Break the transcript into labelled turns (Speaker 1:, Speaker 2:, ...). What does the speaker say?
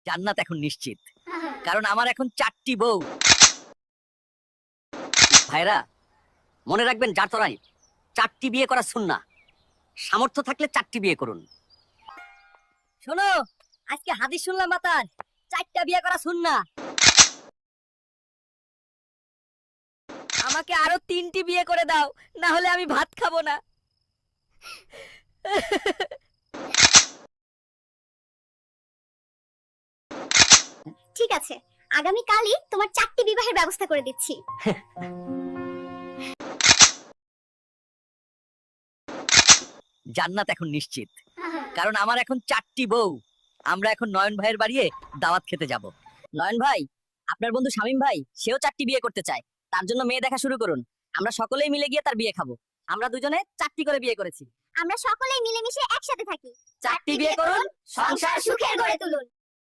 Speaker 1: জান্নাত এখন নিশ্চিত, কারণ আমার এখন 4টি বউ। ভাইরা মনে রাখবেন, জাতরাই 4টি বিয়ে করা সুন্নাহ। সামর্থ্য থাকলে 4টি বিয়ে করুন। শোনো, আজকে হাদিস শুনলাম মাতার 4টা বিয়ে করা সুন্নাহ। আমাকে আরো 3টি বিয়ে করে দাও, না হলে আমি ভাত খাবো না।
Speaker 2: ঠিক আছে, আগামী কালই তোমার 4টি বিবাহের ব্যবস্থা করে দিচ্ছি।
Speaker 1: জান্নাত এখন নিশ্চিত, কারণ আমার এখন 4টি বউ। আমরা এখন নয়ন ভাইয়ের বাড়িতে দাওয়াত খেতে যাব। নয়ন ভাই, আপনার বন্ধু শামীম ভাই সেও 4টি বিয়ে করতে চায়, তার জন্য মেয়ে দেখা শুরু করুন। আমরা সকলেই মিলে গিয়ে তার বিয়ে খাবো। আমরা দুজনে 4টি করে বিয়ে করেছি।
Speaker 2: আমরা সকলেই মিলেমিশে একসাথে থাকি।
Speaker 1: 4টি বিয়ে করুন, সংসার সুখের
Speaker 2: গড়ে তুলুন।